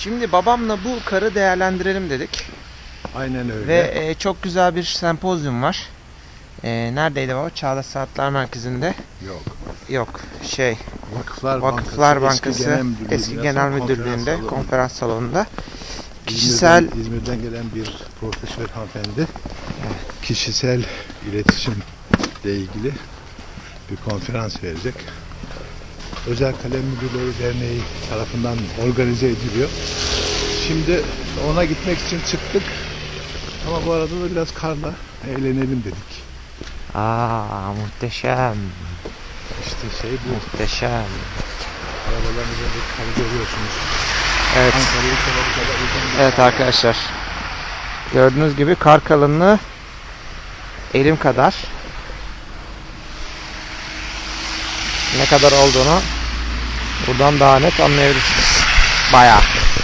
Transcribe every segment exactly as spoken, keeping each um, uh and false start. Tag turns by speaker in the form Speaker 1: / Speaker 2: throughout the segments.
Speaker 1: Şimdi babamla bu karı değerlendirelim dedik.
Speaker 2: Aynen öyle.
Speaker 1: Ve e, çok güzel bir sempozyum var. E, neredeydi baba? Çağdaş Sanatlar Merkezi'nde.
Speaker 2: Yok.
Speaker 1: Yok şey
Speaker 2: Vakıflar,
Speaker 1: Vakıflar
Speaker 2: Bankası,
Speaker 1: Bankası,
Speaker 2: Eski Genel Müdürlüğü,
Speaker 1: Eski Genel Müdürlüğü'nde
Speaker 2: konferans,
Speaker 1: konferans salonunda.
Speaker 2: İzmir'den,
Speaker 1: Kişisel
Speaker 2: İzmir'den gelen bir profesör hanımefendi kişisel iletişimle ilgili bir konferans verecek. Özel Kalem Müdürleri Derneği tarafından organize ediliyor. Şimdi ona gitmek için çıktık. Ama bu arada da biraz karla eğlenelim dedik.
Speaker 1: Aa, muhteşem.
Speaker 2: İşte şey bu.
Speaker 1: Muhteşem.
Speaker 2: Arabaların üzerinde karı görüyorsunuz.
Speaker 1: Evet.
Speaker 2: Ankara'yı kadar uzun bir
Speaker 1: Evet
Speaker 2: kar.
Speaker 1: arkadaşlar. Gördüğünüz gibi kar kalınlığı elim kadar. Ne kadar olduğunu buradan daha net anlayabilirsiniz. Bayağı.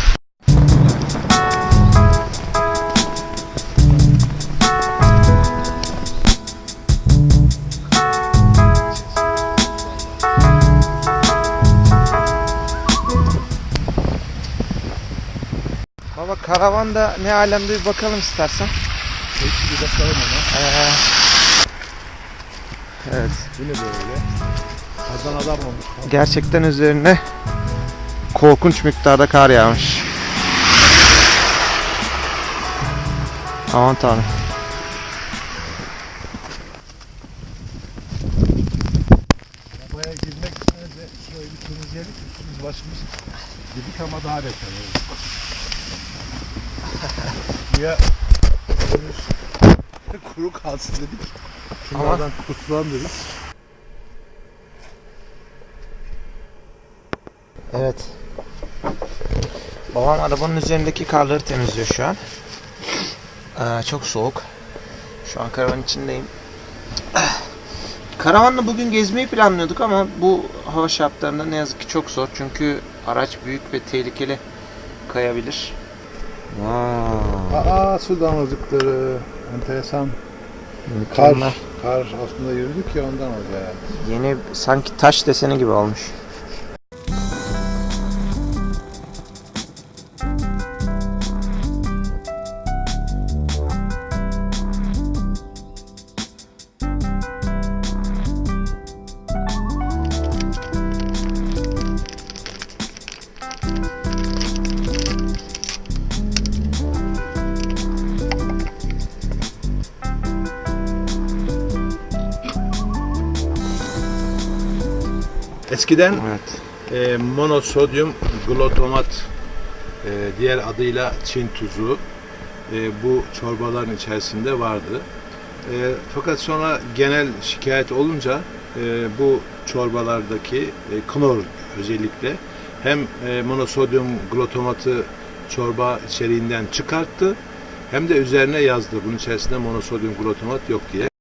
Speaker 1: Baba karavanda ne alemde bir bakalım istersen.
Speaker 2: Peki bir bakalım ona.
Speaker 1: Ee, evet.
Speaker 2: Bu ne böyle? Kardan adam olmuş.
Speaker 1: Gerçekten üzerine korkunç miktarda kar yağmış. Aman tanrım.
Speaker 2: Arabaya girmek için önce şurayı bir temizleyelim. Üstümüz başımız dedik ama daha beter oldu. Ya önümüz kuru kalsın dedik. Şunlardan kurtulalım dedik.
Speaker 1: Evet. Babam arabanın üzerindeki karları temizliyor şu an. Ee, çok soğuk. Şu an karavanın içindeyim. Karavanla bugün gezmeyi planlıyorduk ama bu hava şartlarında ne yazık ki çok zor. Çünkü araç büyük ve tehlikeli kayabilir. Wow.
Speaker 2: Aa, su damlacıkları. Enteresan. Kar,
Speaker 1: Mükemmel.
Speaker 2: kar aslında yürüdük ya ondan oldu yani.
Speaker 1: Yeni sanki taş deseni gibi olmuş.
Speaker 2: Eskiden
Speaker 1: Evet.
Speaker 2: e, monosodyum glutamat e, diğer adıyla Çin tuzu e, bu çorbaların içerisinde vardı. E, fakat sonra genel şikayet olunca e, bu çorbalardaki e, klor özellikle hem e, monosodyum glutamatı çorba içeriğinden çıkarttı hem de üzerine yazdı bunun içerisinde monosodyum glutamat yok diye.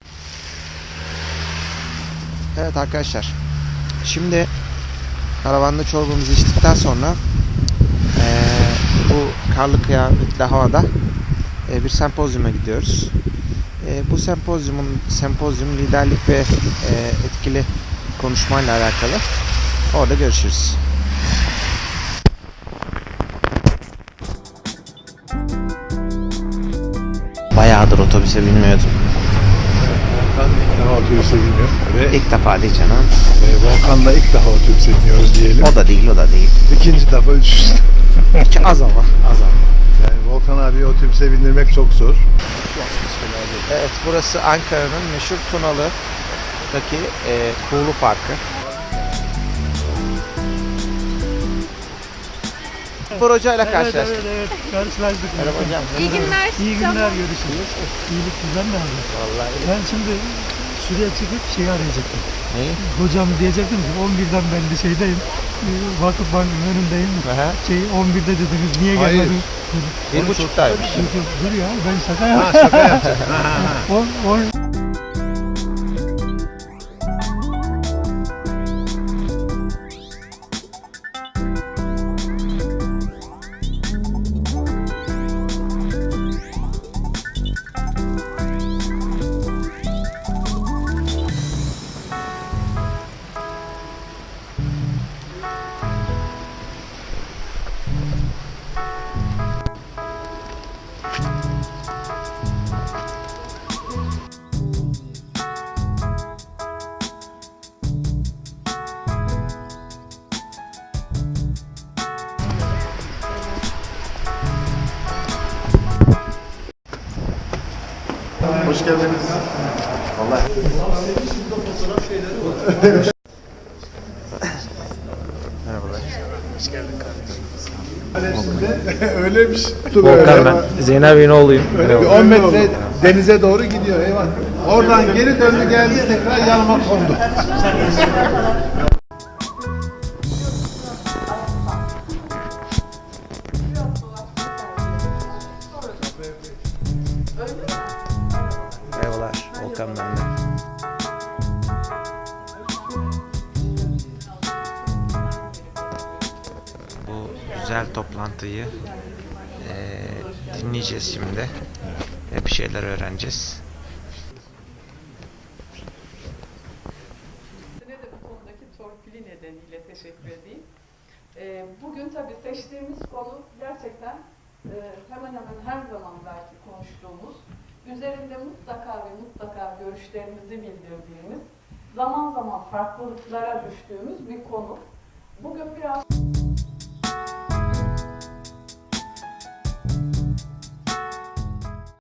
Speaker 1: Evet arkadaşlar. Şimdi karavanda çorbamızı içtikten sonra ee, bu karlı kıyametli havada e, bir sempozyuma gidiyoruz. E, bu sempozyumun sempozyum liderlik ve e, etkili konuşmayla alakalı. Orada görüşürüz. Bayağıdır otobüse binmiyordum.
Speaker 2: Volkan ilk defa otobüse biniyor ve
Speaker 1: İlk defa değil canım.
Speaker 2: e, Volkan'la ilk defa otobüse biniyoruz diyelim.
Speaker 1: O da değil, o da değil.
Speaker 2: İkinci defa üst üste.
Speaker 1: Hiç az ama, az ama.
Speaker 2: Yani Volkan abi otobüse bindirmek çok zor.
Speaker 1: Evet, burası Ankara'nın meşhur Tunalı'daki e, Kuğulu Parkı. Spor hocayla karşılaştık.
Speaker 3: Evet, evet, evet. Karşılaştık.
Speaker 1: Merhaba hocam.
Speaker 4: İyi günler.
Speaker 3: İyi günler, görüşürüz. İyilik güzel mi abi?
Speaker 1: Vallahi.
Speaker 3: Ben şimdi şuraya çıkıp şeyi arayacaktım.
Speaker 1: Neyi?
Speaker 3: Hocam diyecektim ki on birden ben de şeydeyim. e, Vakıf Bank'ın önündeyim.
Speaker 1: Aha.
Speaker 3: Şey on birde dediniz, niye
Speaker 2: Hayır.
Speaker 3: gelmedin?
Speaker 1: Bir buçuktaymış.
Speaker 3: Dur, dur, dur ya, ben şaka
Speaker 2: Ha,
Speaker 3: yaptım.
Speaker 2: şaka yapacaksın. Ha, ha, ha.
Speaker 3: on, on,
Speaker 4: hoş geldiniz. Vallahi.
Speaker 1: Merhabalar.
Speaker 4: Öyleymiş.
Speaker 1: Volkan ben. Zeynep Bey'in oğluyum.
Speaker 4: Öyle bir on metre denize doğru gidiyor. Eyvah. Oradan geri döndü geldi tekrar yanıma kondu.
Speaker 1: Merhabalar. Volkan ben de. Bu güzel toplantıyı eee, dinleyeceğiz şimdi. Ve bir şeyler öğreneceğiz.
Speaker 5: Size de bu konudaki torpili nedeniyle teşekkür edeyim. Ee, bugün tabii seçtiğimiz konu gerçekten e, hemen hemen her zaman belki konuştuğumuz, üzerinde mutlaka ve mutlaka görüşlerimizi bildirdiğimiz, zaman zaman farklılıklara düştüğümüz bir konu. Bugün biraz